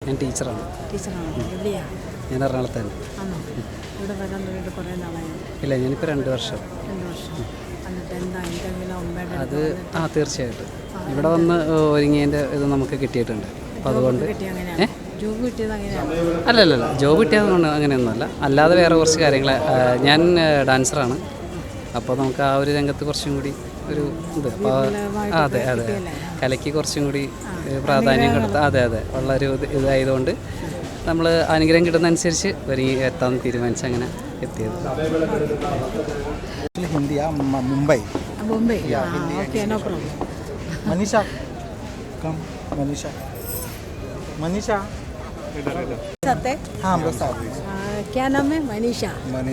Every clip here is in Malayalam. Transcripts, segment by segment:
ഞാൻ ടീച്ചറാണ്. ഞാൻ എറണാകുളത്ത് തന്നെ. ഇല്ല, ഞാനിപ്പോൾ 2 വർഷം. അത് തീർച്ചയായിട്ടും ഇവിടെ വന്ന് ഒരുങ്ങിയതിൻ്റെ ഇത് നമുക്ക് കിട്ടിയിട്ടുണ്ട്. അപ്പോൾ അതുകൊണ്ട് അല്ലല്ല ജോബ് കിട്ടിയതുകൊണ്ട് അങ്ങനെയൊന്നുമല്ല, അല്ലാതെ വേറെ കുറച്ച് കാര്യങ്ങൾ. ഞാൻ ഡാൻസറാണ്. അപ്പോൾ നമുക്ക് ആ ഒരു രംഗത്ത് കുറച്ചും കൂടി ഒരു ഇത്, അപ്പോൾ അതെ കലയ്ക്ക് കുറച്ചും കൂടി പ്രാധാന്യം കൊടുത്ത് അതെ ഉള്ളൊരു ഇതായതുകൊണ്ട് നമ്മൾ അനുഗ്രഹം കിട്ടുന്നതനുസരിച്ച് ഒരുങ്ങി എത്താമെന്ന് തീരുമാനിച്ച് അങ്ങനെ എത്തിയത്. Hindi Mumbai okay no problem. Manisha come Manisha हाँ हम लोग साथ हैं. क्या नाम है? मनीषा.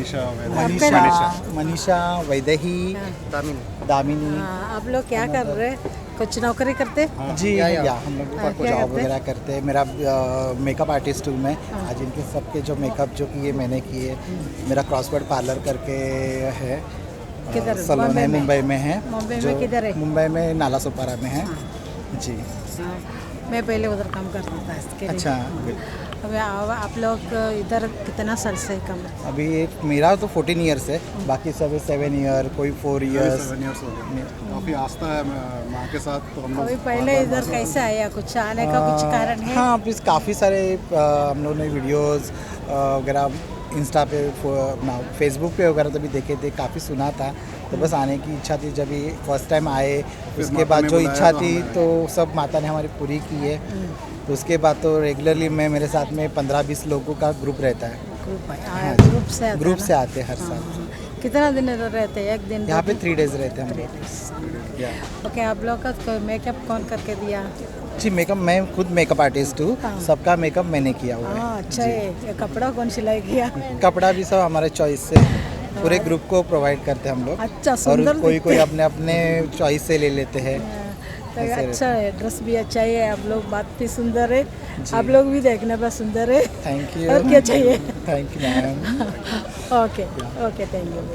मनीषा वैदेही दामिनी. आप लोग क्या कर रहे? कुछ नौकरी करते? जी या हम लोग जॉब वगैरह करते हैं. मेरा मेकअप आर्टिस्ट हूँ मैं. आज इनके सबके जो मेकअप जो किए मैंने किए. मेरा क्रॉसवर्ड पार्लर करके है, सलोन है, मुंबई में है. मुंबई में किधर है? मुंबई में नाला सोपारा में है. जी मैं पहले उधर काम करता था इसके लिए. अच्छा. अभी आप लोग इधर कितना साल से काम? अभी मेरा तो 14 ईयर्स है, बाकी सब 7 ईयर, कोई 4 ईयर्स. काफ़ी आस्था है माँ के साथ. तो हम लोग अभी पहले इधर कैसे आया? कुछ आने का कुछ कारण है? हाँ, अभी काफ़ी सारे हम लोगों ने वीडियोस वगैरह इंस्टा पे फेसबुक पे वगैरह तभी देखे थे, काफ़ी सुना था. तो बस आने की इच्छा थी. जब भी फर्स्ट टाइम आए उसके बाद जो इच्छा थी तो सब माता ने हमारी पूरी की है. तो उसके बाद तो रेगुलरली मैं मेरे साथ में 15-20 लोगों का ग्रुप रहता है. ग्रुप से आते हैं हर साल. कितना दिन रहते हैं? 1 दिन यहाँ पे 3 डेज रहते हैं हम लोग. ओके. आप लोग का मेकअप कौन करके दिया? जी मेकअप मैं खुद मेकअप आर्टिस्ट हूँ. सबका मेकअप मैंने किया हुआ है. अच्छा है. कपड़ा कौन सिलाई किया? कपड़ा भी सब हमारे चॉइस से पूरे ग्रुप को प्रोवाइड करते हैं हम लोग. अच्छा, और सुंदर. कोई अपने अपने चॉइस से ले लेते हैं. तो अच्छा है. ड्रेस भी अच्छा है. आप लोग बात भी सुंदर है. आप लोग भी देखने पर सुंदर है. Thank you. और क्या चाहिए? Thank you ma'am. Okay thank you.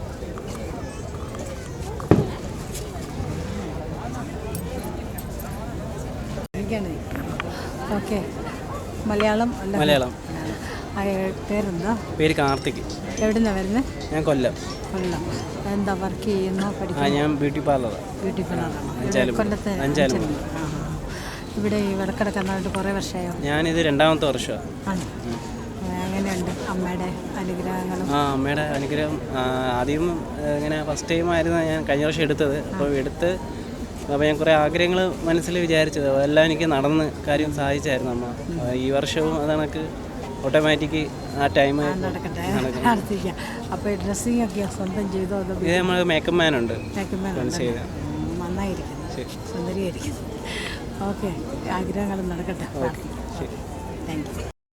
Okay. Malayalam പേരെന്താ? പേര് കാർത്തിക്. എവിടുന്നാണ് വരുന്നത്? ഞാൻ കൊല്ലം. എന്താ വർക്ക് ചെയ്യുന്നു? ഞാൻ ബ്യൂട്ടി പാർലറാണ്. കൊല്ലത്ത്. ഇവിടെ ഈ വടക്കടക്ക് വന്നിട്ട് കുറേ വർഷമായോ? ഞാനിത് 2ാമത്തെ വർഷമാണ്. എങ്ങനെയുണ്ട് അമ്മയുടെ അനുഗ്രഹങ്ങളും? അമ്മയുടെ അനുഗ്രഹം ആദ്യം ഇങ്ങനെ ഫസ്റ്റ് ടൈം ആയിരുന്നു ഞാൻ കഴിഞ്ഞ വർഷം എടുത്തത്. അപ്പോൾ ഞാൻ കുറേ ആഗ്രഹങ്ങൾ മനസ്സിൽ വിചാരിച്ചത് എല്ലാം എനിക്ക് നടന്ന് കാര്യം സാധിച്ചായിരുന്നു അമ്മ. ഈ വർഷവും അത് കണക്ക് ഓട്ടോമാറ്റിക് ആ ടൈം നടക്കട്ടെ. അപ്പോൾ ഡ്രസ്സിംഗ് ഒക്കെ സ്വന്തം ചെയ്തോ? ഇത് നമ്മൾ മേക്കപ്പ് മാനുണ്ട്. നന്നായിരിക്കുന്നു, സുന്ദരിയായിരിക്കുന്നു. ഓക്കെ. ആഗ്രഹങ്ങൾ നടക്കട്ടെ. ഓക്കെ, ശരി. Thank U.